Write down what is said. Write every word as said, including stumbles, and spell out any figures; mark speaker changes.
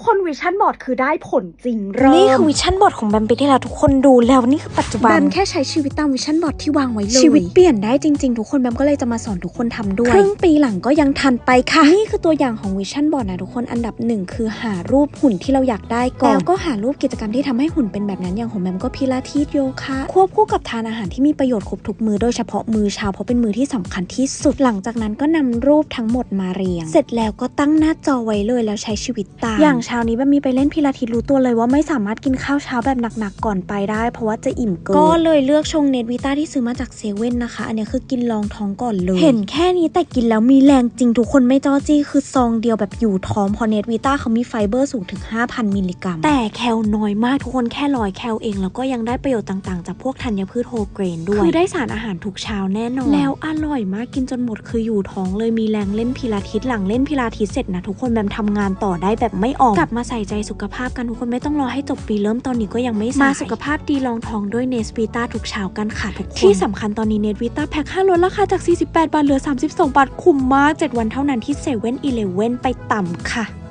Speaker 1: คนวิชั่นบอร์ดคือได้ผลจริงเริ่ม
Speaker 2: นี่คือวิชั่นบอร์ดของแบมไปที่แล้วทุกคนดูแล้วนี่คือปัจจุบัน
Speaker 1: แบมแค่ใช้ชีวิตตามวิชั่นบอร์ดที่วางไว้เลย
Speaker 2: ชีวิตเปลี่ยนได้จริงๆทุกคนแบมก็เลยจะมาสอนทุกคนทำด้วยครึ่งปีหลังก็ยังทันไปค่ะนี่คือตัวอย่างของวิชั่นบอร์ดนะทุกคนอันดับหนึ่งคือหารูปหุ่นที่เราอยากได้ก่อนแล้วก็หารูปกิจกรรมที่ทำให้หุ่นเป็นแบบนั้นอย่างของแบมก็พิลาทิสโยคะควบคู่กับทานอาหารที่มีประโยชน์ครบทุกมื้อโดยเฉพาะมื้อเช้าเพราะเป็นมื้อที่สำคัญที่สุดหลังจากนั้นก็นำรูปทั้งหมดมาเรียงเสร็จแล้วก็ตั้งหน้าจอไว้เลยแล้วใช้ชีวิตตามอย่างเช้านี้แบมมีไปเล่นพิลาทิสรู้ตัวเลยว่าไม่สามารถกินข้าวเช้าแบบหนักๆก่อนไปได้เพราะว่าจะอิ่มเกินก็เลยเลือกชงเนสวิต้าที่ซื้อมาจากเซเว่นนะคะอันนี้คือกินรองท้องก่อนเลยเห็นแค่นี้แต่กินแล้วมีแรงจริงทุกคนไม่จ้อจี้คือซองเดียวแบบอยู่ท้องเพราะเนสวิต้าเขามีไฟเบอร์สูงถึง ห้าพัน มิลลิกรัมแต่แคลน้อยมากทุกคนแค่ร้อยแคลเองแล้วก็ยังได้ประโยชน์ต่างๆจากพวกธัญพืชโฮลเกรนด้วยคือได้สารอาหารทุกเช้าแน่นอนแล้วอร่อยมากกินจนหมดคืออยู่ท้องเลยมีแรงเล่นพิลาทิสหลังเล่นพิลาทิสเสร็จนะทุกคนแบมทำงานต่อได้แบบไม่ออกกลับมาใส่ใจสุขภาพกันทุกคนไม่ต้องรอให้จบปีเริ่มตอนนี้ก็ยังไม่สายมาสุขภาพดีลองท้องด้วยเนสวิต้าทุกเช้ากันค่ะทุกคนที่สำคัญตอนนี้เนสวิต้าแพ็คห้าลดราคาจากสี่สิบแปดบาทเหลือสามสิบสองบาทคุ้มมากเจ็ดวันเท่านั้นที่เซเว่นอีเลฟเว่นไปต่ำค่ะ